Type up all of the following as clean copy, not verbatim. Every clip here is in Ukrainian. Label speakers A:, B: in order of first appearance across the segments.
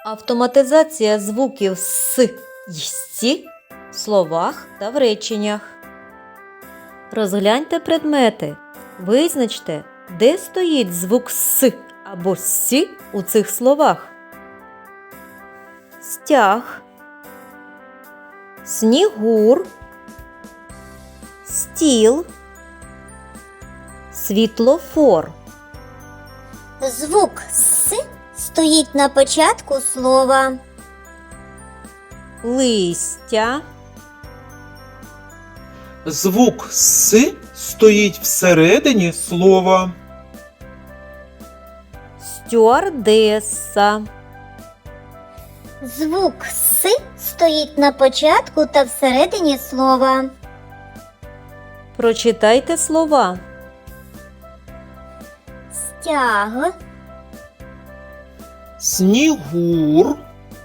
A: Автоматизація звуків «с» й «сі» в словах та в реченнях. Розгляньте предмети. Визначте, де стоїть звук «с» або «сі» у цих словах. Стяг, снігур, стіл, світлофор.
B: Звук «с» стоїть на початку слова.
A: Листя,
C: Звук «с» стоїть всередині слова.
A: стюардеса,
B: Звук «с» стоїть на початку та всередині слова.
A: Прочитайте слова.
B: Стяг,
C: Снігур,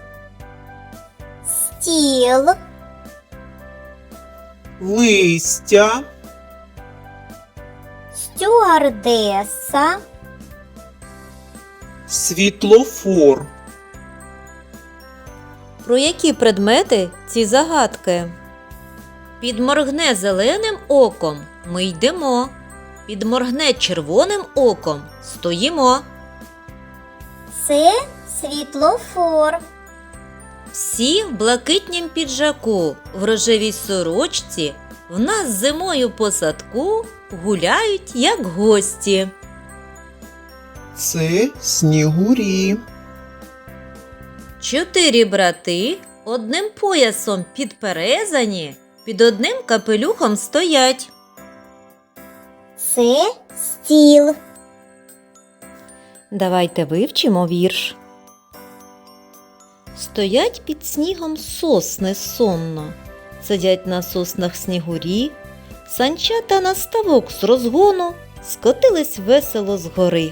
B: стіл,
C: листя,
B: стюардеса,
C: світлофор.
A: Про які предмети ці загадки? Підморгне зеленим оком – ми йдемо. Підморгне червоним оком – стоїмо.
B: це світлофор.
A: Всі в блакитнім піджаку, в рожевій сорочці, в нас зимою по садку гуляють, як гості.
C: Це снігурі.
A: 4 брати одним поясом підперезані, під одним капелюхом стоять.
B: Це стіл.
A: Давайте вивчимо вірш. Стоять під снігом сосни сонно, сидять на соснах снігурі, санчата на ставок з розгону скотились весело з гори.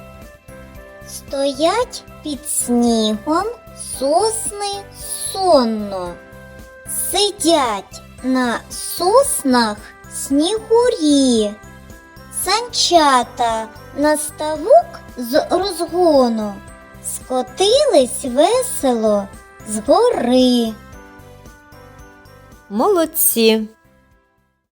B: Стоять під снігом сосни сонно. Сидять на соснах снігурі. Санчата на ставок з розгону скотились весело з гори.
A: Молодці!